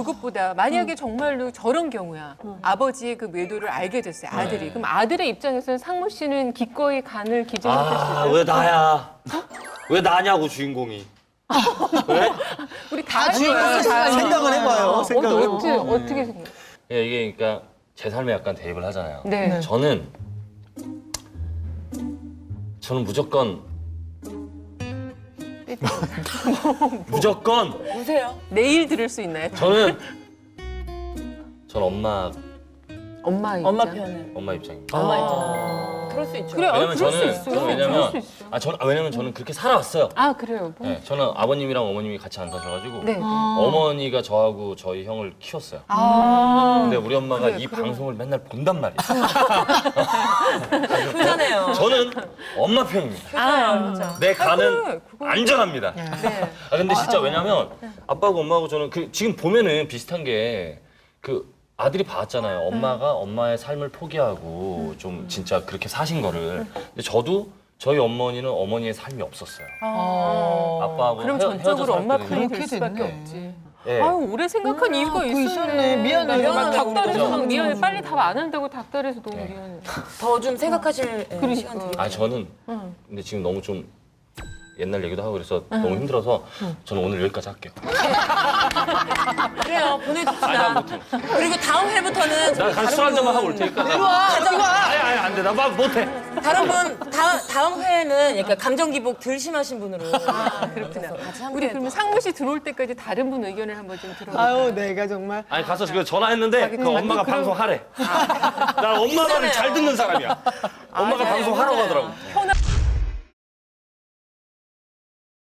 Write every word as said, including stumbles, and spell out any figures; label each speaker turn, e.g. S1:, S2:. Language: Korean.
S1: 그것보다 만약에 정말로 저런 경우야. 아버지의 그 외도를 알게 됐어요. 아들이.
S2: 네.
S1: 그럼 아들의 입장에서는 상무 씨는 기꺼이 간을 기증할 수 있어요?
S2: 아, 왜 나야? 왜 나냐고 주인공이. 왜?
S1: 우리 다
S3: 주인공
S1: 좋아요.
S3: 생각- 생각을 해봐요. 생각을
S1: 어, 어떻게, 어떻게 생각?
S2: 예, 이게 그러니까 제 삶에 약간 대입을 하잖아요.
S1: 네.
S2: 저는 저는 무조건 무조건
S4: 보세요.
S1: 내일 들을 수 있나요?
S2: 저는 전 엄마
S1: 엄마 입장.
S4: 엄마 편을.
S2: 엄마 입장입니다.
S4: 엄마 입장. 그럴 수 있죠.
S1: 그래, 어,
S2: 왜냐면
S1: 그럴 수
S2: 저는
S1: 있어요.
S2: 저는
S1: 그럴
S2: 왜냐면
S1: 수 있어.
S2: 아 저는 아, 왜냐면 저는 그렇게 살아왔어요.
S1: 아, 그래요? 뭐.
S2: 네, 저는 아버님이랑 어머님이 같이 안 사셔가지고
S1: 네.
S2: 어머니가 저하고 저희 형을 키웠어요.
S1: 아.
S2: 근데 우리 엄마가
S1: 그래,
S2: 이
S1: 그러면-
S2: 방송을 맨날 본단 말이에요.
S4: 편하네요.
S2: 저는 엄마 편입니다.
S1: 아,
S4: 진짜.
S2: 내 간은
S1: 그래, 그거-
S2: 안전합니다.
S1: 네.
S2: 아 근데 진짜 왜냐면 아빠하고 엄마하고 저는 그 지금 보면은 비슷한 게 그 아들이 봤잖아요. 엄마가 엄마의 삶을 포기하고 좀 진짜 그렇게 사신 거를. 근데 저도 저희 어머니는 어머니의 삶이 없었어요. 아빠하고
S1: 그럼
S2: 헤어-
S1: 전적으로
S2: 헤어져
S1: 엄마
S2: 살았거든요.
S1: 편이 될
S3: 그렇게
S1: 수밖에
S3: 됐네.
S1: 없지.
S2: 예.
S1: 아유, 오래 생각한 이유가
S3: 그거
S1: 있었네.
S3: 있었네. 미안해.
S1: 막
S4: 미안하다,
S1: 닭다리에서
S2: 우리도.
S1: 막 미안해. 빨리 답 안 한다고 닭다리에서 너무
S2: 네.
S1: 미안해.
S4: 더 좀 생각하실 예,
S1: 그러니까.
S4: 시간 드릴게요.
S2: 아 저는
S1: 응.
S2: 근데 지금 너무 좀 옛날 얘기도 하고 그래서 너무 힘들어서 저는 오늘 여기까지 할게요.
S4: 그래요.
S2: 아니 나
S4: 보내줍시다.
S2: 못해.
S4: 그리고 다음 회부터는
S2: 나 가서 술 한 잔만 하고 올 테니까.
S4: 이리 와.
S2: 아니 아니 안 돼. 나 막 못해.
S4: 다른 분 다음 다음 회에는 약간 감정 기복 덜 심하신 분으로. 아,
S1: 그렇구나.
S4: 같이 함께
S1: 우리 그러면 상무 씨 들어올 때까지 다른 분 의견을 한번 좀 들어볼까요?
S3: 아유, 내가 정말.
S2: 아니 가서 지금 전화했는데 그
S1: 자기
S2: 엄마가
S1: 그럼-
S2: 방송하래. 난 엄마 말을 잘 듣는 사람이야. 엄마가
S4: 맞아요.
S2: 방송하라고
S4: 맞아요.
S2: 하더라고.
S1: 편한